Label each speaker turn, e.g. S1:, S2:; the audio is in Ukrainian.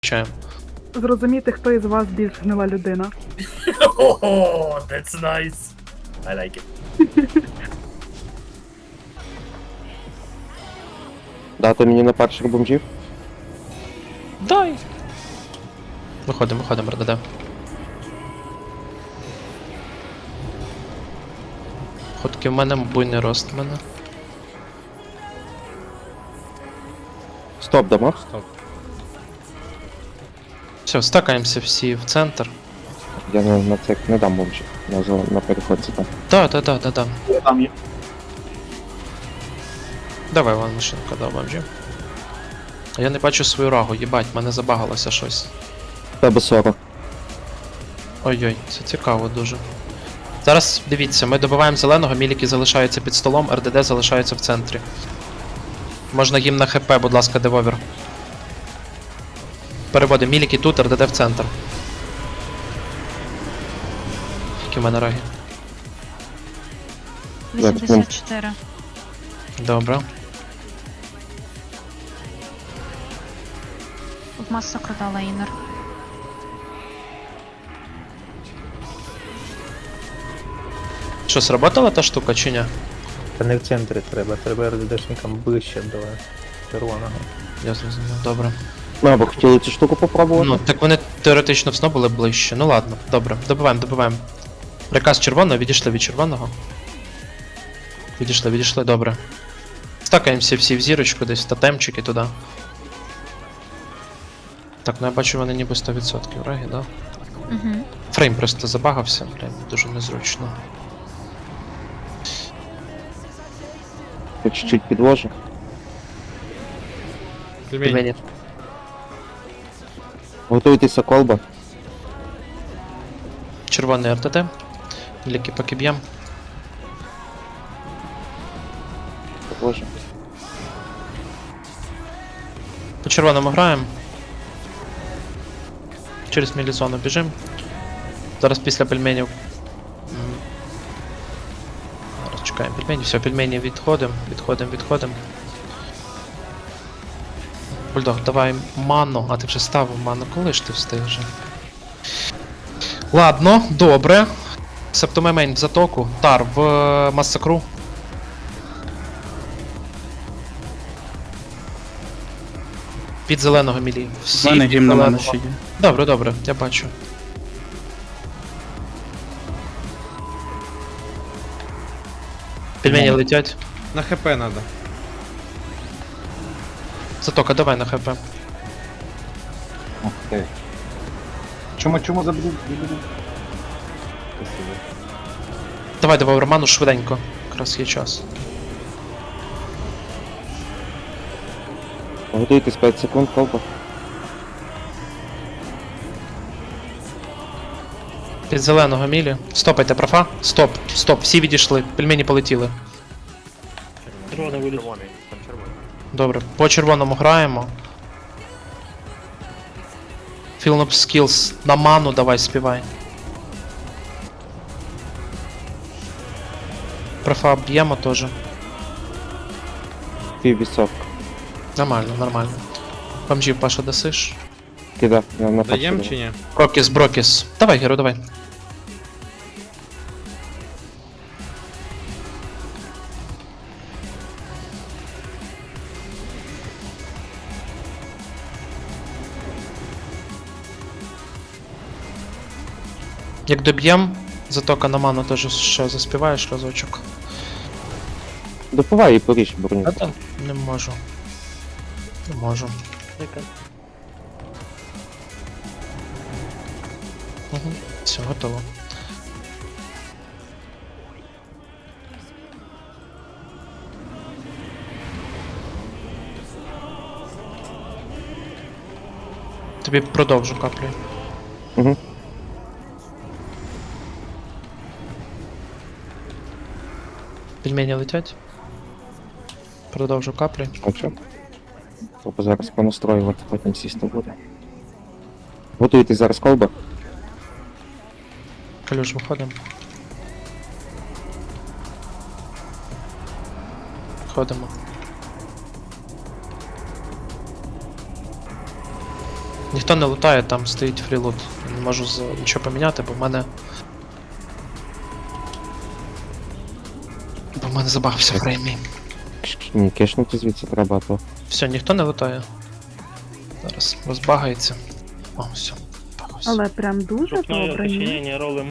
S1: Чаєм.
S2: Зрозуміти, хто із вас більш гнила людина.
S3: Oh, that's nice. I like it.
S4: Дати мені на перших бомжів?
S1: Дай. Виходимо, РДД. Ходки в мене, буйний рост в мене.
S4: Стоп, дамо?
S3: Стоп.
S1: Все, стакаємося всі в центр.
S4: Я на це не дам бомжів. На переходці там.
S1: Да.
S4: Там є.
S1: Давай, вон машинка, да, бомжі. А я не бачу свою рагу, їбать, мене забагалося щось.
S4: Тебе 40.
S1: Ой-ой, це цікаво дуже. Зараз дивіться, ми добиваємо зеленого, міліки залишаються під столом, РДД залишаються в центрі. Можна їм на ХП, будь ласка, девовір. Переводимо міліки тут, РДД в центр. Які в мене раги?
S5: 84.
S1: Добре.
S5: В масу продала інер.
S1: Що, сработала та штука чи ні?
S6: Та не в центрі треба РДДшникам ближче до червоного.
S1: Я зрозумів, добре.
S4: Ми або хотіли цю штуку попробувати?
S1: Ну, так вони теоретично все були ближче. Ну ладно, добре, добиваємо. Приказ червоного, відійшли від червоного. Відійшли, добре. Стакаємося всі в зірочку, десь тотемчики туди. Так, ну я бачу, вони ніби 100% раги, да?
S5: Угу.
S1: Фрейм просто забагався, блін, дуже незручно.
S4: Я чуть-чуть підложу.
S1: Пельмені.
S4: Готуйтеся, колба.
S1: Червоний РТТ. Ліки поки б'єм.
S4: Підложу.
S1: По червоному граємо. Через мілізону біжим. Зараз після пельменів. Зараз чекаємо пельмені. Все, пельмені відходимо. Бульдог, давай ману. А ти вже ставив ману. Коли ж ти встиг? Ладно, добре. Септомемень в затоку. Тар в масакру. Під зеленого мілі. Всі
S7: У мене
S1: під
S7: гімн на мене
S1: зеленого.
S7: ще є.
S1: Добре, я бачу. Пельмені летять.
S8: На хп надо.
S1: Затока, давай на хп.
S9: Ух ти. Чому забуду?
S1: Давай Роману швиденько. Якраз є час.
S4: Готуйтесь 5 секунд, колба.
S1: Під зеленого мілі. Стопайте, профа. Стоп. Всі відійшли. Пельмені полетіли.
S3: Червоний, там червоний.
S1: Добре, по червоному граємо. Fill up skills. На ману давай співай. Профа б'ємо теж.
S4: Піввісовка.
S1: Нормально. Бомжів, Паша, досиш.
S4: Кида, я на
S8: Даєм
S4: першу
S8: чи ні?
S1: Брокіс. Давай, Геро, давай. Як доб'єм, затока на ману теж ще заспіваєш разочок.
S4: Допивай і поріж броню.
S1: А так, не можу. Угу. Все, готово. Тобі продовжу каплю.
S4: Угу.
S1: Пельмені летять. Продовжу каплі.
S4: Бачу. Треба зараз понастроювати, потім сісти буде. Готуйтесь зараз, колба.
S1: Калюш, виходимо. Ходимо. Ніхто не лутає, там стоїть фрілут. Не можу нічого поміняти, бо в мене. Бо в мене забагався фреймі.
S4: Ні, кешнути звідси треба, а то.
S1: Все, ніхто не лутає. Зараз розбагається. О, все. Багався.
S2: Але прям дуже добре. ні?
S7: уточнение ролли